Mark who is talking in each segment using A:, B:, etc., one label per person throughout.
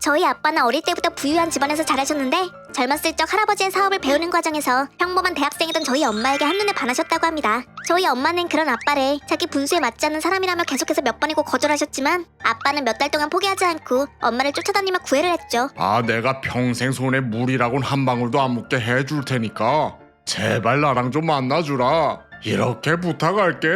A: 저희 아빠는 어릴 때부터 부유한 집안에서 자라셨는데 젊었을 적 할아버지의 사업을 배우는 과정에서 평범한 대학생이던 저희 엄마에게 한눈에 반하셨다고 합니다. 저희 엄마는 그런 아빠를 자기 분수에 맞지 않는 사람이라며 계속해서 몇 번이고 거절하셨지만 아빠는 몇 달 동안 포기하지 않고 엄마를 쫓아다니며 구애를 했죠.
B: 내가 평생 손에 물이라곤 한 방울도 안 묻게 해줄 테니까 제발 나랑 좀 만나주라. 이렇게 부탁할게.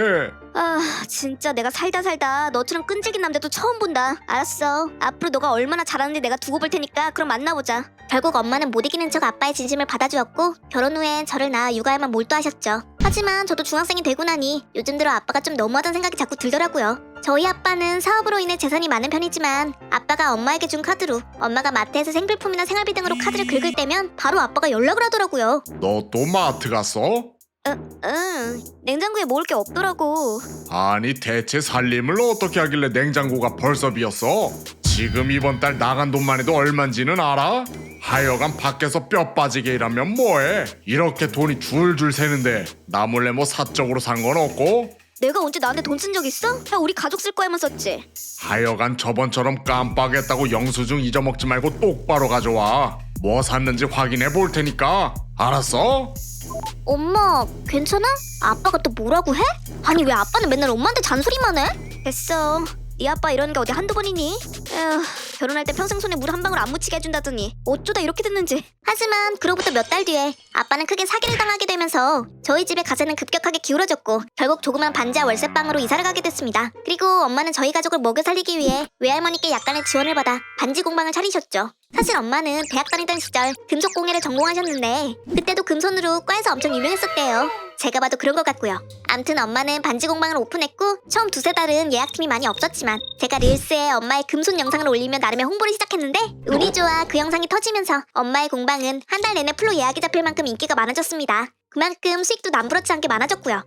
A: 진짜 내가 살다 너처럼 끈질긴 남자도 처음 본다. 알았어. 앞으로 너가 얼마나 잘하는지 내가 두고 볼 테니까 그럼 만나보자. 결국 엄마는 못 이기는 척 아빠의 진심을 받아주었고 결혼 후엔 저를 낳아 육아에만 몰두하셨죠. 하지만 저도 중학생이 되고 나니 요즘 들어 아빠가 좀 너무하다는 생각이 자꾸 들더라고요. 저희 아빠는 사업으로 인해 재산이 많은 편이지만 아빠가 엄마에게 준 카드로 엄마가 마트에서 생필품이나 생활비 등으로 카드를 긁을 때면 바로 아빠가 연락을 하더라고요.
B: 너 또 마트 갔어?
A: 응. 냉장고에 먹을 게 없더라고.
B: 아니 대체 살림을 어떻게 하길래 냉장고가 벌써 비었어? 지금 이번 달 나간 돈만 해도 얼만지는 알아? 하여간 밖에서 뼈 빠지게 일하면 뭐해? 이렇게 돈이 줄줄 새는데 나 몰래 뭐 사적으로 산 건 없고?
A: 내가 언제 나한테 돈 쓴 적 있어? 다 우리 가족 쓸 거야만 썼지.
B: 하여간 저번처럼 깜빡했다고 영수증 잊어먹지 말고 똑바로 가져와. 뭐 샀는지 확인해 볼 테니까. 알았어?
A: 엄마, 괜찮아? 아빠가 또 뭐라고 해? 아니 왜 아빠는 맨날 엄마한테 잔소리만 해? 됐어. 네 아빠 이러는 게 어디 한두 번이니? 에휴, 결혼할 때 평생 손에 물 한 방울 안 묻히게 해준다더니 어쩌다 이렇게 됐는지. 하지만 그로부터 몇 달 뒤에 아빠는 크게 사기를 당하게 되면서 저희 집의 가세는 급격하게 기울어졌고 결국 조그만 반지하 월세방으로 이사를 가게 됐습니다. 그리고 엄마는 저희 가족을 먹여 살리기 위해 외할머니께 약간의 지원을 받아 반지 공방을 차리셨죠. 사실 엄마는 대학 다니던 시절 금속 공예를 전공하셨는데 그때도 금손으로 과에서 엄청 유명했었대요. 제가 봐도 그런 것 같고요. 암튼 엄마는 반지 공방을 오픈했고 처음 두세 달은 예약팀이 많이 없었지만 제가 릴스에 엄마의 금손 영상을 올리며 나름의 홍보를 시작했는데 운이 좋아 그 영상이 터지면서 엄마의 공방은 한 달 내내 풀로 예약이 잡힐 만큼 인기가 많아졌습니다. 그만큼 수익도 남부럽지 않게 많아졌고요.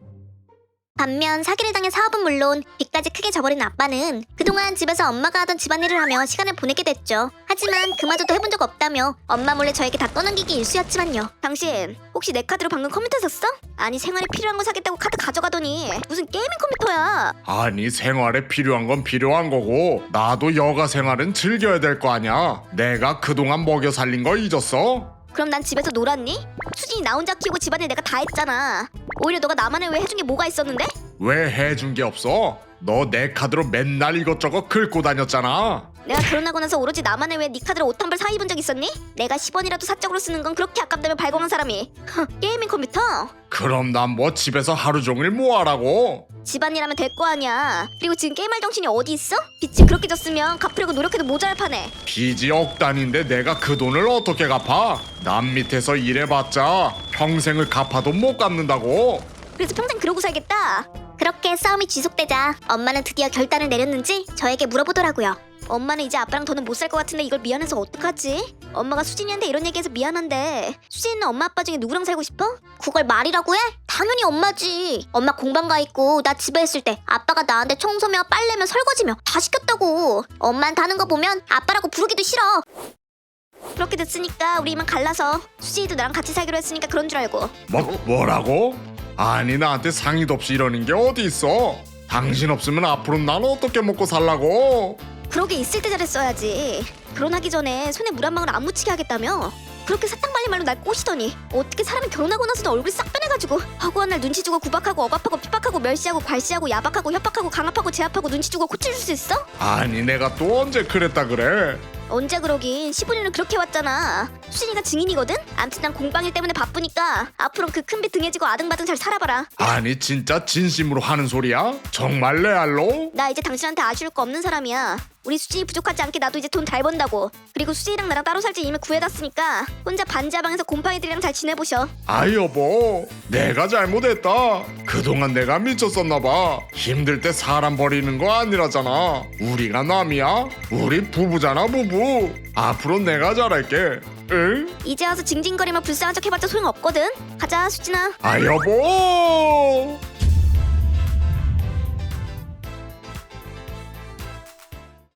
A: 반면 사기를 당해 사업은 물론 빚까지 크게 져버린 아빠는 그동안 집에서 엄마가 하던 집안일을 하며 시간을 보내게 됐죠. 하지만 그마저도 해본 적 없다며 엄마 몰래 저에게 다 떠넘기기 일쑤였지만요. 당신 혹시 내 카드로 방금 컴퓨터 샀어? 아니 생활에 필요한 거 사겠다고 카드 가져가더니 무슨 게이밍 컴퓨터야.
B: 아니 생활에 필요한 건 필요한 거고 나도 여가 생활은 즐겨야 될 거 아냐. 내가 그동안 먹여 살린 거 잊었어?
A: 그럼 난 집에서 놀았니? 수진이 나 혼자 키우고 집안일 내가 다 했잖아. 오히려 너가 나만을 왜 해준 게 뭐가 있었는데?
B: 왜 해준 게 없어? 너 내 카드로 맨날 이것저것 긁고 다녔잖아.
A: 내가 결혼하고 나서 오로지 나만을 왜 네 카드로 옷 한 벌 사 입은 적 있었니? 내가 10원이라도 사적으로 쓰는 건 그렇게 아깝다며 발광한 사람이 게이밍 컴퓨터?
B: 그럼 난 뭐 집에서 하루 종일 뭐 하라고?
A: 집안일 하면 될 거 아니야. 그리고 지금 게임할 정신이 어디 있어? 빚이 그렇게 졌으면 갚으려고 노력해도 모자랄 판에.
B: 빚이 억 단인데 내가 그 돈을 어떻게 갚아? 남 밑에서 일해봤자 평생을 갚아도 못 갚는다고.
A: 그래서 평생 그러고 살겠다. 그렇게 싸움이 지속되자 엄마는 드디어 결단을 내렸는지 저에게 물어보더라고요. 엄마는 이제 아빠랑 더는 못 살 것 같은데 이걸 미안해서 어떡하지? 엄마가 수진이한테 이런 얘기해서 미안한데 수진이는 엄마 아빠 중에 누구랑 살고 싶어? 그걸 말이라고 해? 당연히 엄마지. 엄마 공방 가 있고 나 집에 있을 때 아빠가 나한테 청소며 빨래며 설거지며 다 시켰다고. 엄마한테 하는 거 보면 아빠라고 부르기도 싫어. 그렇게 됐으니까 우리 이만 갈라서 수진이도 나랑 같이 살기로 했으니까 그런 줄 알고.
B: 뭐라고? 아니 나한테 상의도 없이 이러는 게 어디 있어? 당신 없으면 앞으로 난 어떻게 먹고 살라고?
A: 그러게 있을 때 잘했어야지. 결혼하기 전에 손에 물 한 방울 안 묻히게 하겠다며. 그렇게 사탕 발린 말로 날 꼬시더니 어떻게 사람이 결혼하고 나서도 얼굴이 싹 변해가지고 하고 한 날 눈치 주고 구박하고 억압하고 핍박하고 멸시하고 괄시하고 야박하고 협박하고 강압하고 제압하고 눈치 주고 코치줄 수 있어?
B: 아니 내가 또 언제 그랬다 그래?
A: 언제 그러긴 15년을 그렇게 왔잖아. 수진이가 증인이거든? 암튼 난 공방일 때문에 바쁘니까 앞으론 그 큰 빚 등에 지고 아등바등 잘 살아봐라.
B: 아니 진짜 진심으로 하는 소리야? 정말 레알로?
A: 나 이제 당신한테 아쉬울 거 없는 사람이야. 우리 수진이 부족하지 않게 나도 이제 돈 잘 번다고. 그리고 수진이랑 나랑 따로 살지 이미 구해놨으니까 혼자 반지하방에서 곰팡이들이랑 잘 지내보셔.
B: 아 여보 내가 잘못했다. 그동안 내가 미쳤었나봐. 힘들 때 사람 버리는 거 아니라잖아. 우리가 남이야? 우리 부부잖아 부부. 앞으로 내가 잘할게. 응?
A: 이제 와서 징징거리며 불쌍한 척 해봤자 소용없거든. 가자 수진아.
B: 아 여보